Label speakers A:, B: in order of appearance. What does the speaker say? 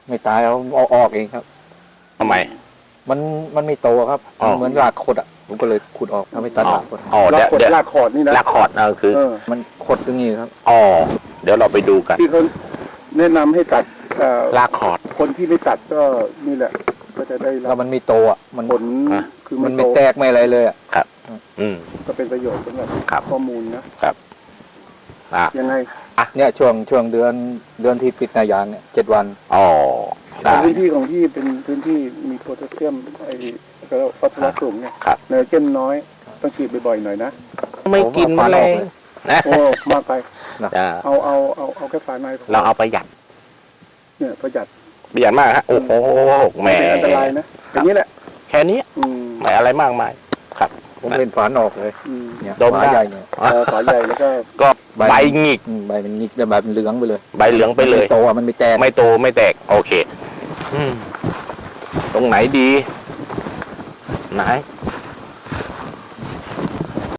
A: ไม่ตายเอาออกเองครับ
B: ทำไม
A: มันไม่โตครับเหมือนรากขดอ่ะผมก็เลยขุดออกทำให้ตัดรากขด
B: อ๋อ
C: ลาก
B: เดี๋ยว
C: ขดลากขอดนี่นะ
B: ลากคอร์ดคือ
A: มันขดตรงนี้ครับ
B: อ๋อเดี๋ยวเราไปดูกัน
C: ที่เขาแนะนำให้ตัด
B: ลากคอร์ด
C: คนที่ไม่ตัดก็นี่แหละก็จะได้
A: แล้วมันไม่โตอ่ะมัน
C: ผลคือ
A: มั
C: มัน น
A: ไม่
C: โต
A: แตกไม่อะไรเลยอ่ะ
B: ครับ อืม
C: ก็เป็นประโยชน์สำหรับ
B: ครับ
C: ข้อมูลนะ
B: อ่ะ
C: ยังไง
A: เนี่ยช่วงเดือนที่ปิดหนายางเนี่ย7 วัน
B: อ๋อได้
C: พื้นที่ของที่เป็นพื้นที่มีโพแทสเซียมไอ้ก็ฟอสฟอรัสสูงเนี่ย
B: ครับ
C: ไนโตรเจนน้อยต้องฉีดบ่อยๆหน่อยนะ
B: ไม่กินแมลงนะ
C: โอ้มากไป
B: อ่า
C: เอาแค่ฝาในพอ
B: เราเอาประหยัด
C: เนี่ยประหยัด
B: ประหยัดมากฮะโอ้โหแหม
C: ไม่เป็นอันตรายนะอย่างนี้แหละ
B: แค่นี้
C: อืม
B: ไม่อะไรมากมาย
A: ผมเป็นฝานออกเลย
C: อืม
A: เนี่ย
B: ดมได้
A: ฝาใหญ่เนี่ย
C: ฝาใหญ่แล้วก็
B: ก็ใบหงิก
A: ใบมันหงิกแล้วใบมันเหลืองไปเลย
B: ใบเหลืองไปเลย
A: มันม่โตอ่ะมันไม่แตก
B: ไม่โตไม่แตก โอเค ตรงไหนดี ไหน